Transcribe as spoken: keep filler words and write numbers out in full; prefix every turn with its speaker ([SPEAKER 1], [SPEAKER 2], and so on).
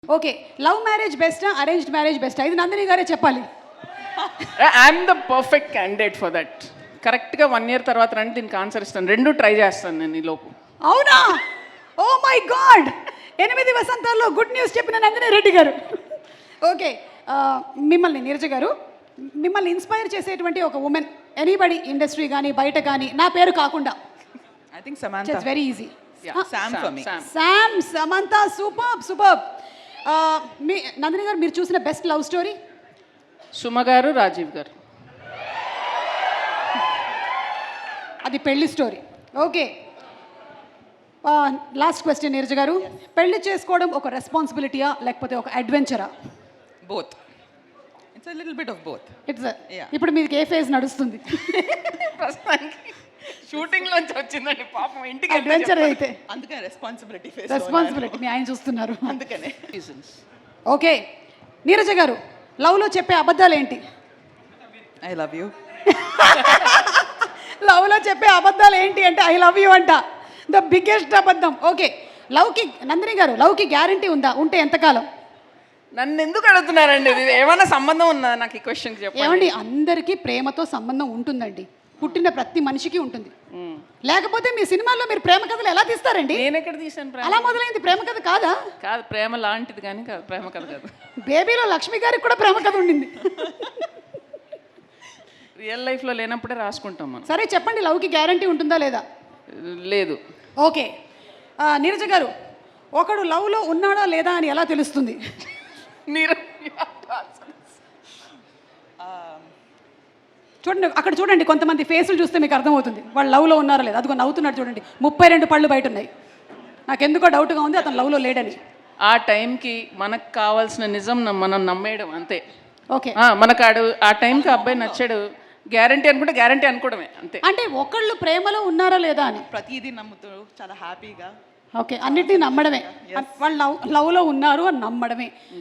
[SPEAKER 1] Okay, love marriage బెస్టా arranged marriage బెస్టా ఇది నందిని గారే చెప్పాలి.
[SPEAKER 2] I'm the perfect candidate for that. కరెక్ట్గా వన్ ఇయర్ తర్వాత రండి దీనికి ఆన్సర్ ఇస్తాను. రెండు ట్రై చేస్తాను నేను ఈ లోపు.
[SPEAKER 1] అవునా? ఓ మై గాడ్, ఎనిమిది వసంతాల్లో గుడ్ న్యూస్ చెప్పిన నందిని రెడ్డి గారు. ఓకే, మిమ్మల్ని నీరజ గారు, మిమ్మల్ని ఇన్స్పైర్ చేసేటువంటి ఒక ఉమెన్ ఎనీబడి ఇండస్ట్రీ కానీ బయట కానీ, నా పేరు కాకుండా.
[SPEAKER 3] I think Samantha.
[SPEAKER 1] It's very easy.
[SPEAKER 3] Yeah, Sam, for me.
[SPEAKER 2] Sam.
[SPEAKER 1] Sam, Samantha, super super. మీ నందిని గారు మీరు చూసిన బెస్ట్ లవ్ స్టోరీ?
[SPEAKER 2] సుమ గారు, రాజీవ్ గారు.
[SPEAKER 1] అది పెళ్లి story. Okay, last question Neeraja గారు, పెళ్లి చేసుకోవడం ఒక రెస్పాన్సిబిలిటీయా లేకపోతే ఒక అడ్వెంచరా?
[SPEAKER 3] Both. It's a little bit of both.
[SPEAKER 1] It's
[SPEAKER 3] Yeah.
[SPEAKER 1] ఇప్పుడు మీకు ఏ ఫేజ్ నడుస్తుంది?
[SPEAKER 2] షూటింగ్ లోంచి వచ్చిందండి పాపం, ఇంటికి
[SPEAKER 1] అడ్వెంచర్ అయితే
[SPEAKER 3] అందుకనే రెస్పాన్సిబిలిటీ ఫేస్
[SPEAKER 1] రెస్పాన్సిబిలిటీ మీ ఆయన చూస్తున్నారు.
[SPEAKER 3] అందుకనే
[SPEAKER 1] ఓకే, నీరజ గారు, లవ్లో చెప్పే అబద్ధాలు ఏంటి?
[SPEAKER 3] I love you.
[SPEAKER 1] లవ్లో చెప్పే అబద్ధాలు ఏంటి అంటే ఐ లవ్ యూ అంట, ద బిగ్గెస్ట్ అబద్ధం. ఓకే, లవ్కి నందిని గారు, లవ్కి గ్యారంటీ ఉందా? ఉంటే ఎంతకాలం?
[SPEAKER 2] నన్ను ఎందుకు అడుగుతున్నారండి? ఇది ఏమైనా సంబంధం ఉందా నాకు ఈ క్వశ్చన్ చెప్పండి.
[SPEAKER 1] ఏమండి, అందరికీ ప్రేమతో సంబంధం ఉంటుందండి, పుట్టిన ప్రతి మనిషికి ఉంటుంది. లేకపోతే మీ సినిమాల్లో మీరు ప్రేమ కథలు ఎలా తీస్తారండి?
[SPEAKER 2] నేను ఎక్కడ తీసాను ప్రేమ?
[SPEAKER 1] అలా మొదలైంది ప్రేమ కథ కాదా?
[SPEAKER 2] కాదు, ప్రేమ లాంటిది కానీ కాదు, ప్రేమ కథ కాదు.
[SPEAKER 1] బేబీలో లక్ష్మి గారికి కూడా ప్రేమ కథ ఉండింది.
[SPEAKER 2] రియల్ లైఫ్లో లేనప్పుడే రాసుకుంటాం మనం.
[SPEAKER 1] సరే చెప్పండి, లవ్కి గ్యారంటీ ఉంటుందా లేదా?
[SPEAKER 2] లేదు.
[SPEAKER 1] ఓకే, ఆ, నీరజ గారు, ఒకడు లవ్లో ఉన్నాడా లేదా అని ఎలా తెలుస్తుంది?
[SPEAKER 2] మీరు
[SPEAKER 1] చూడండి అక్కడ, చూడండి కొంతమంది ఫేసులు చూస్తే మీకు అర్థమవుతుంది వాళ్ళు లవ్లో ఉన్నారా లేదా. అదిగో నవ్వుతున్నాడు చూడండి, ముప్పై రెండు పళ్ళు బయట ఉన్నాయి. నాకెందుకో డౌట్గా ఉంది అతను లవ్లో లేడని.
[SPEAKER 2] ఆ టైంకి మనకు కావాల్సిన నిజం నమ్- మనం నమ్మేయడం అంతే.
[SPEAKER 1] ఓకే,
[SPEAKER 2] ఆ, మనకు ఆడు ఆ టైంకి అబ్బాయి నచ్చాడు, గ్యారంటీ అనుకుంటే గ్యారంటీ అనుకోవడమే అంతే.
[SPEAKER 1] అంటే ఒకళ్ళు ప్రేమలో ఉన్నారా లేదా అని.
[SPEAKER 3] ప్రతిదీ నమ్ముతూ చాలా హ్యాపీగా
[SPEAKER 1] ఓకే, అన్నిటినీ నమ్మడమే, వాళ్ళు లవ్ లవ్లో ఉన్నారు అని నమ్మడమే.